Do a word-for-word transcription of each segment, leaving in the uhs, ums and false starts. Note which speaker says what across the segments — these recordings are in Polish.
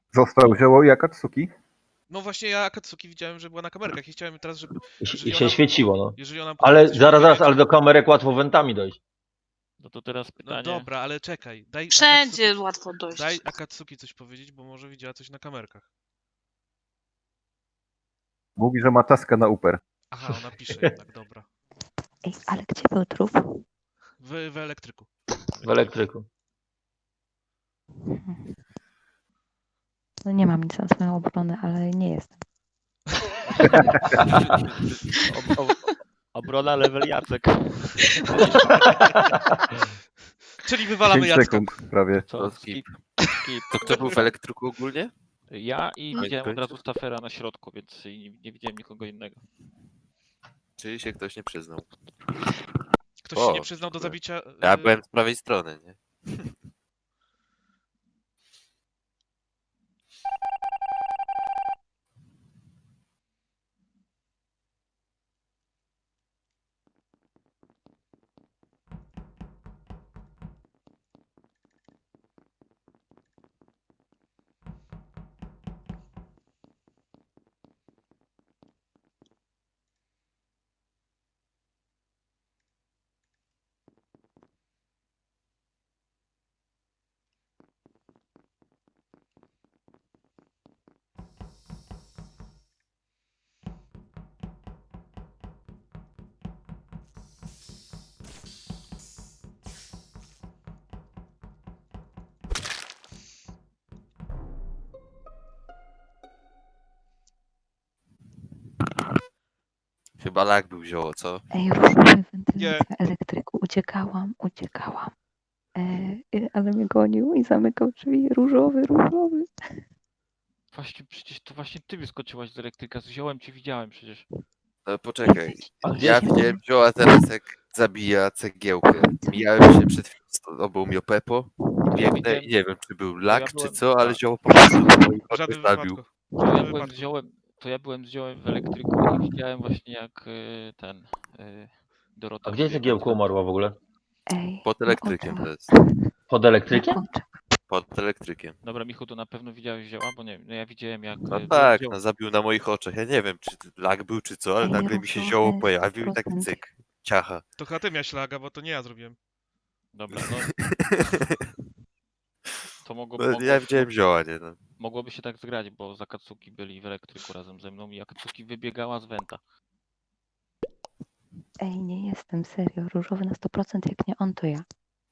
Speaker 1: Został Zioło i Akatsuki?
Speaker 2: No właśnie ja Akatsuki widziałem, że była na kamerkach i chciałem teraz, żeby...
Speaker 3: I, się-
Speaker 2: jeżeli
Speaker 3: I się
Speaker 2: ona-
Speaker 3: świeciło, no.
Speaker 2: Jeżeli ona potrafi
Speaker 3: Ale
Speaker 2: coś
Speaker 3: zaraz, zaraz,
Speaker 2: powiedzieć-
Speaker 3: ale do kamerek łatwo wentami dojść.
Speaker 4: No to teraz
Speaker 2: No
Speaker 4: pytanie.
Speaker 2: dobra, ale czekaj. Daj
Speaker 5: Wszędzie
Speaker 2: Akatsuki,
Speaker 5: łatwo dojść.
Speaker 2: daj Akatsuki coś powiedzieć, bo może widziała coś na kamerkach.
Speaker 1: Mówi, że ma taskę na Uper.
Speaker 2: Aha, ona pisze jednak, dobra.
Speaker 6: Ej, ale gdzie był trup?
Speaker 2: W, w elektryku.
Speaker 3: W elektryku.
Speaker 6: No nie mam nic na swoją obronę, ale nie jestem.
Speaker 4: Ob, ob, obrona level Jacek.
Speaker 2: Czyli wywalamy
Speaker 1: pięć
Speaker 2: Jacka.
Speaker 1: sekund prawie.
Speaker 4: Co?
Speaker 7: To
Speaker 4: Skip.
Speaker 7: skip.
Speaker 4: Skip.
Speaker 7: To kto był w elektryku ogólnie?
Speaker 4: Ja i
Speaker 5: No.
Speaker 4: widziałem od razu Stafera na środku, więc nie, nie widziałem nikogo innego.
Speaker 7: Czyli się ktoś nie przyznał.
Speaker 2: Ktoś
Speaker 7: O,
Speaker 2: się nie przyznał do
Speaker 7: dziękuję.
Speaker 2: zabicia...
Speaker 7: Ja
Speaker 2: y,
Speaker 7: byłem z prawej strony, nie? Chyba lag był zioło, co?
Speaker 6: Ej, różowy wentylacja
Speaker 2: Nie.
Speaker 6: w elektryku. Uciekałam, uciekałam. E, y, ale mnie gonił i zamykał drzwi. Różowy, różowy.
Speaker 4: Właśnie, przecież to właśnie ty wyskoczyłaś z elektryka. Z ziołem cię widziałem przecież.
Speaker 7: No poczekaj.
Speaker 3: A gdzie
Speaker 7: Ja
Speaker 3: jest-
Speaker 7: widziałem zioła teraz jak zabija cegiełkę. Mijałem się przed chwilą z obą Miopepo. Biegnę
Speaker 4: widziałem-
Speaker 7: i nie wiem, czy był lag,
Speaker 4: ja
Speaker 7: czy
Speaker 4: byłem-
Speaker 7: co, ale zioło po prostu na moich
Speaker 2: W żadnym
Speaker 7: oczach zabił.
Speaker 2: wypadku. W
Speaker 4: To ja,
Speaker 2: żadnym
Speaker 4: byłem z
Speaker 2: wypadku.
Speaker 4: ziołem, to ja byłem z ziołem w elektryku i widziałem właśnie jak y, ten y, Dorota...
Speaker 3: A gdzie
Speaker 4: wbiegła
Speaker 3: cegiełka
Speaker 4: z-
Speaker 3: umarła w ogóle?
Speaker 6: Ej,
Speaker 7: Pod
Speaker 6: na
Speaker 7: elektrykiem
Speaker 6: oczach,
Speaker 7: to jest.
Speaker 3: Pod
Speaker 6: na
Speaker 3: elektrykiem?
Speaker 6: oczach.
Speaker 7: Pod elektrykiem.
Speaker 4: Dobra, Michu, to na pewno widziałeś zioła, bo nie wiem, no ja widziałem jak...
Speaker 7: No
Speaker 4: y,
Speaker 7: tak,
Speaker 4: zioło-
Speaker 7: no zabił na moich oczach. Ja nie wiem, czy lag był, czy co, ale
Speaker 6: Ej,
Speaker 7: nagle mi się
Speaker 6: różowe
Speaker 7: zioło pojawił i tak
Speaker 6: sto procent.
Speaker 7: cyk. Ciacha.
Speaker 2: To chyba ty miałeś laga, bo to nie ja zrobiłem.
Speaker 4: Dobra, no to mogło,
Speaker 7: No,
Speaker 4: mogło,
Speaker 7: ja widziałem zioła, nie no.
Speaker 4: mogłoby się tak zgrać, bo z Akatsuki byli w elektryku razem ze mną i Akatsuki wybiegała z Wenta.
Speaker 6: Ej, nie jestem, serio. Różowy na sto procent. Jak nie on, to ja.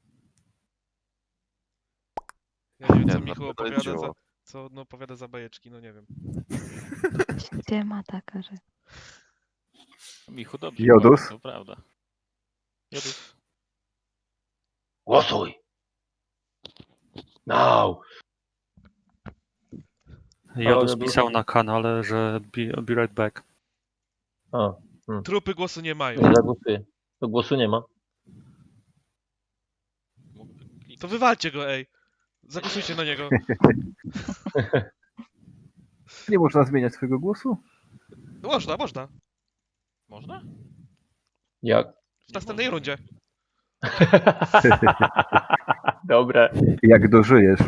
Speaker 2: Ja nie wiem,
Speaker 7: Nie,
Speaker 2: co
Speaker 7: na
Speaker 2: Michu
Speaker 7: pewno
Speaker 2: opowiada za...
Speaker 7: zioło.
Speaker 2: Co no, opowiada za bajeczki, no nie wiem.
Speaker 6: Gdzie ma taka, że...
Speaker 4: Michu, dobrze.
Speaker 1: Jodus?
Speaker 4: mówił, To prawda. Jodus.
Speaker 3: Głosuj! Now!
Speaker 8: Jodus
Speaker 3: Ale
Speaker 8: pisał
Speaker 3: był-
Speaker 8: na kanale, że be, be right back.
Speaker 3: A,
Speaker 2: Trupy głosu nie mają.
Speaker 3: nie zagłosuję. To głosu nie ma.
Speaker 4: Mógłby kliknąć.
Speaker 2: To wywalcie go, ej. Zagłosujcie na niego.
Speaker 1: Nie można zmieniać swojego głosu?
Speaker 2: Można, można.
Speaker 4: Można?
Speaker 3: Jak?
Speaker 2: W następnej rundzie.
Speaker 3: Dobre.
Speaker 1: Jak dożyjesz?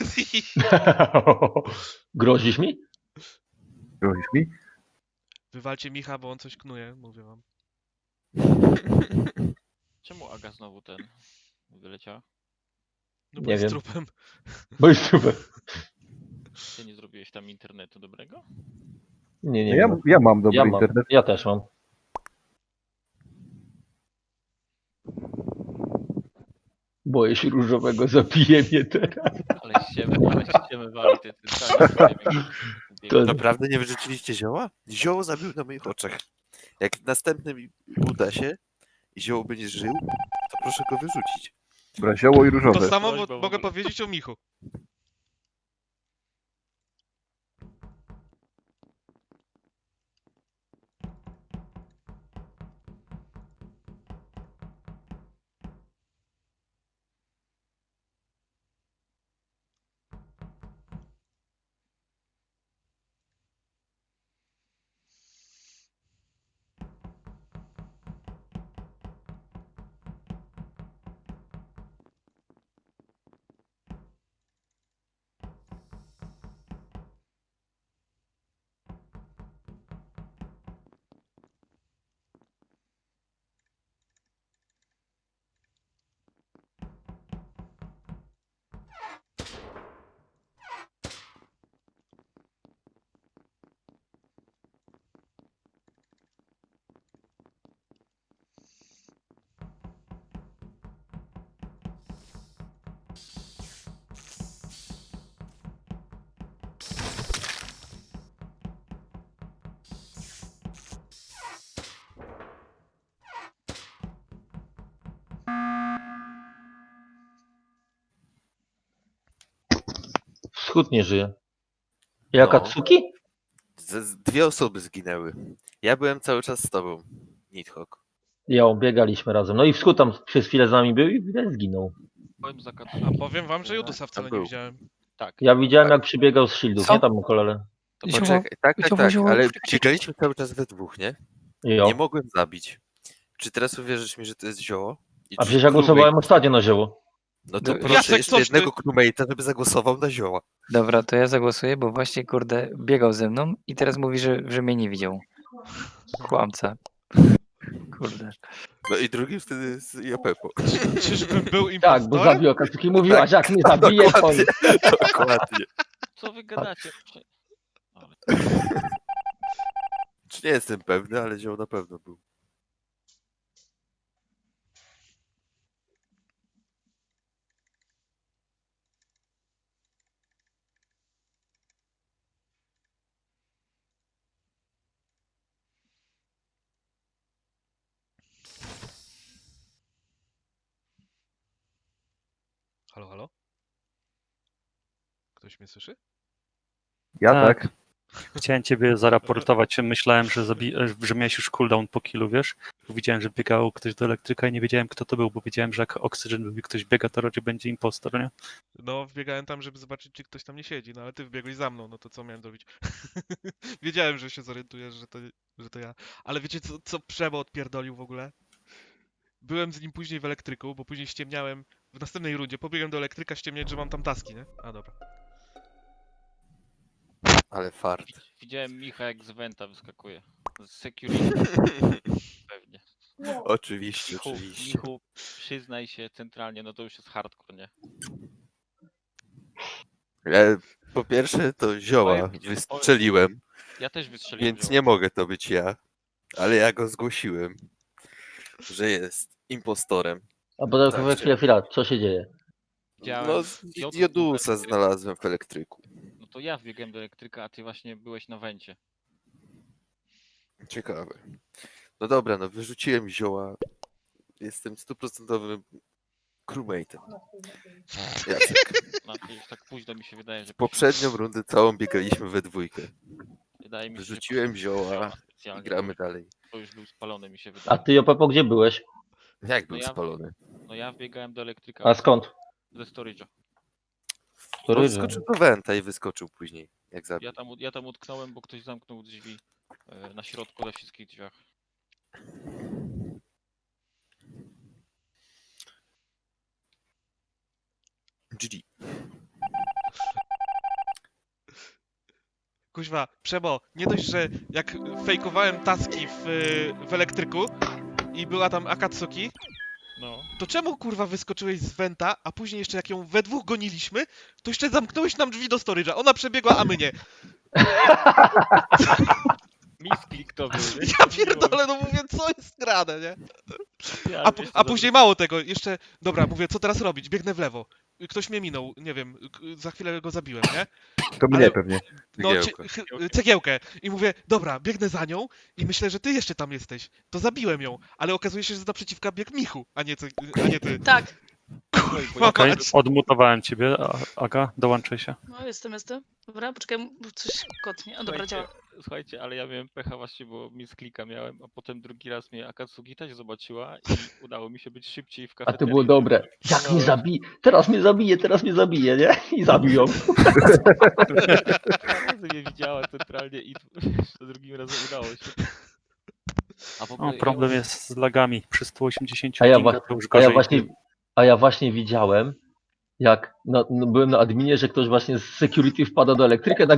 Speaker 3: Grozisz mi?
Speaker 1: Grozisz mi?
Speaker 2: Wywalcie Micha, bo on coś knuje, mówię wam.
Speaker 4: Czemu Aga znowu ten wyleciała?
Speaker 2: No bo
Speaker 3: Nie
Speaker 2: jest
Speaker 3: wiem.
Speaker 2: trupem.
Speaker 3: Bo już super.
Speaker 4: Ty nie zrobiłeś tam internetu dobrego?
Speaker 3: Nie,
Speaker 1: No
Speaker 3: nie.
Speaker 1: ja,
Speaker 3: wiem.
Speaker 1: ja mam dobry
Speaker 3: ja, mam.
Speaker 1: internet.
Speaker 3: ja też mam. Boję się różowego, zabije mnie teraz.
Speaker 4: Ale ściemy, ale ściemy wali, ty, ty cały
Speaker 3: To-
Speaker 7: Naprawdę nie wyrzuciliście zioła? Zioło zabił na moich oczach. Jak następnym uda się i zioło będzie żył, to proszę go wyrzucić.
Speaker 1: Dobra, Zioło i
Speaker 2: To
Speaker 1: różowe.
Speaker 2: samo
Speaker 4: Prośba
Speaker 2: mo-
Speaker 4: w
Speaker 2: mogę
Speaker 4: ogóle.
Speaker 2: powiedzieć o Michu.
Speaker 3: Wschód nie żyje. Jak
Speaker 7: No.
Speaker 3: Akatsuki?
Speaker 7: Z, z dwie osoby zginęły. Ja byłem cały czas z tobą, Nidhogg.
Speaker 3: Ja biegaliśmy razem. No i Wschód tam przez chwilę z nami był i widać zginął.
Speaker 4: Powiem za kat...
Speaker 2: A powiem wam, że Judusa wcale nie
Speaker 7: był.
Speaker 2: widziałem.
Speaker 4: Tak.
Speaker 3: Ja widziałem jak przybiegał z shieldów,
Speaker 6: Co?
Speaker 3: nie tam kolele.
Speaker 4: To
Speaker 6: Zioło.
Speaker 7: Poczekaj, tak, tak,
Speaker 6: Zioło,
Speaker 7: tak,
Speaker 6: zioło.
Speaker 7: ale biegaliśmy cały czas we dwóch, nie?
Speaker 3: Jo.
Speaker 7: Nie mogłem zabić. Czy teraz uwierzysz mi, że to jest zioło? I
Speaker 3: A
Speaker 7: czy
Speaker 3: przecież ja
Speaker 7: crewmate-
Speaker 3: głosowałem ostatnio na zioło.
Speaker 7: No to
Speaker 5: Do-
Speaker 7: proszę
Speaker 2: Jacek,
Speaker 7: jeszcze
Speaker 2: coś ty?
Speaker 7: jednego crewmate'a, żeby zagłosował na zioła.
Speaker 5: Dobra, to ja zagłosuję, bo właśnie, kurde, biegał ze mną i teraz mówi, że, że mnie nie widział. Kłamca. Kurde.
Speaker 7: No i drugim wtedy jest Japepo.
Speaker 2: Czyżbym był
Speaker 3: Tak,
Speaker 2: impostorem?
Speaker 3: bo zabił Akatsuki. Mówiłaś, jak mnie zabije, to...
Speaker 7: Dokładnie, dokładnie.
Speaker 4: Co wy gadacie? Prze-
Speaker 7: Czy nie jestem pewny, ale zioło na pewno był.
Speaker 2: Halo, halo? Ktoś mnie słyszy?
Speaker 1: Ja
Speaker 8: Tak.
Speaker 1: tak.
Speaker 8: Chciałem ciebie zaraportować. Myślałem, że, zabi- że miałeś już cooldown po killu, wiesz? Bo widziałem, że biegał ktoś do elektryka i nie wiedziałem, kto to był, bo wiedziałem, że jak Oxygen lubi ktoś biega, to raczej będzie impostor, nie?
Speaker 2: No, wbiegałem tam, żeby zobaczyć, czy ktoś tam nie siedzi, no ale ty wbiegłeś za mną, no to co miałem zrobić? Wiedziałem, że się zorientujesz, że to, że to ja. Ale wiecie, co, co Przemo odpierdolił w ogóle? Byłem z nim później w elektryku, bo później ściemniałem w następnej rundzie. Pobiegłem do elektryka ściemniać, że mam tam taski, nie? A dobra.
Speaker 7: Ale fart.
Speaker 4: Widz- Widziałem Micha jak z Venta wyskakuje. Z security pewnie.
Speaker 7: Oczywiście,
Speaker 4: Michu,
Speaker 7: oczywiście.
Speaker 4: Michu, przyznaj się centralnie, no to już jest hardcore, nie?
Speaker 7: Ja, po pierwsze to zioła
Speaker 4: Powiem ci,
Speaker 7: wystrzeliłem,
Speaker 4: Ja też wystrzeliłem.
Speaker 7: więc
Speaker 4: ją.
Speaker 7: nie mogę to być ja. Ale ja go zgłosiłem, że jest impostorem.
Speaker 3: A potem
Speaker 7: Tak,
Speaker 3: tak, chwila, chwila, co się dzieje?
Speaker 4: Widziałem
Speaker 7: No,
Speaker 4: Jodu-
Speaker 7: Jodusa
Speaker 4: Jodu-
Speaker 7: znalazłem w elektryku.
Speaker 4: No to ja wbiegłem do elektryka, a ty właśnie byłeś na Wencie.
Speaker 7: Ciekawe. No dobra, no wyrzuciłem zioła. Jestem stuprocentowym crewmate'em. Jacek.
Speaker 4: No, już tak późno mi się wydaje, że...
Speaker 7: Poprzednią rundę całą biegaliśmy we dwójkę.
Speaker 4: Wydaje mi się, że
Speaker 7: Wyrzuciłem
Speaker 4: poszedł
Speaker 7: zioła
Speaker 4: specjalnie,
Speaker 7: i gramy
Speaker 4: bo już-
Speaker 7: dalej.
Speaker 4: To już był spalony, mi się
Speaker 3: A
Speaker 4: wydaje.
Speaker 3: ty, Jopepo, gdzie byłeś?
Speaker 7: Jak był
Speaker 4: No ja-
Speaker 7: spalony?
Speaker 4: No ja wbiegałem do elektryka
Speaker 3: A skąd?
Speaker 4: ze storage'a.
Speaker 7: On
Speaker 3: Który?
Speaker 7: wskoczył do Wenta i wyskoczył później, jak zabił.
Speaker 4: Ja tam, ja tam utknąłem, bo ktoś zamknął drzwi e, na środku, we wszystkich drzwiach.
Speaker 7: G G.
Speaker 2: Kuźwa, Przemo, nie dość, że jak fejkowałem taski w, w elektryku i była tam Akatsuki,
Speaker 4: No.
Speaker 2: to czemu kurwa wyskoczyłeś z Venta, a później jeszcze jak ją we dwóch goniliśmy, to jeszcze zamknąłeś nam drzwi do storage'a. Ona przebiegła, a my nie.
Speaker 4: Misklik to był, nie?
Speaker 2: Ja pierdolę, no mówię, co jest grane, nie?
Speaker 4: Ja,
Speaker 2: A,
Speaker 4: wiesz,
Speaker 2: a
Speaker 4: co
Speaker 2: później mało tego, jeszcze, dobra, mówię, co teraz robić? Biegnę w lewo. Ktoś mnie minął, nie wiem, k- za chwilę go zabiłem, nie?
Speaker 1: To mnie
Speaker 2: Ale-
Speaker 1: pewnie.
Speaker 2: No,
Speaker 7: Cegiełkę.
Speaker 2: cie- chy- cegiełkę. I mówię, dobra, biegnę za nią i myślę, że ty jeszcze tam jesteś. To zabiłem ją, ale okazuje się, że naprzeciwka biegł Michu, a nie ty. A nie ty.
Speaker 9: Tak,
Speaker 2: Kurwa,
Speaker 8: Okej,
Speaker 2: mać.
Speaker 8: odmutowałem ciebie. A- Aga, dołączaj się.
Speaker 9: no jestem, jestem. Dobra, poczekaj, bo coś kotnie. O, dobra,
Speaker 4: Słuchajcie,
Speaker 9: działa.
Speaker 4: Słuchajcie, ale ja miałem pecha właśnie, bo misklika miałem, a potem drugi raz mnie Akatsuki też zobaczyła i udało mi się być szybciej w
Speaker 3: A
Speaker 4: kafeterii.
Speaker 3: to było dobre. Jak mnie zabije? Teraz mnie zabije, teraz mnie zabije, nie? I zabił ją.
Speaker 4: Dwa razy mnie widziała centralnie i za drugim razem udało się. A w
Speaker 8: O,
Speaker 4: ogóle
Speaker 8: problem
Speaker 4: ja,
Speaker 8: jest z lagami. Przy stu osiemdziesięciu
Speaker 3: A ja,
Speaker 8: pingach
Speaker 3: wa-
Speaker 8: to już
Speaker 3: a ja
Speaker 8: gorzej.
Speaker 3: właśnie, a ja właśnie widziałem, jak no, no, byłem na adminie, że ktoś właśnie z security wpada do elektryka,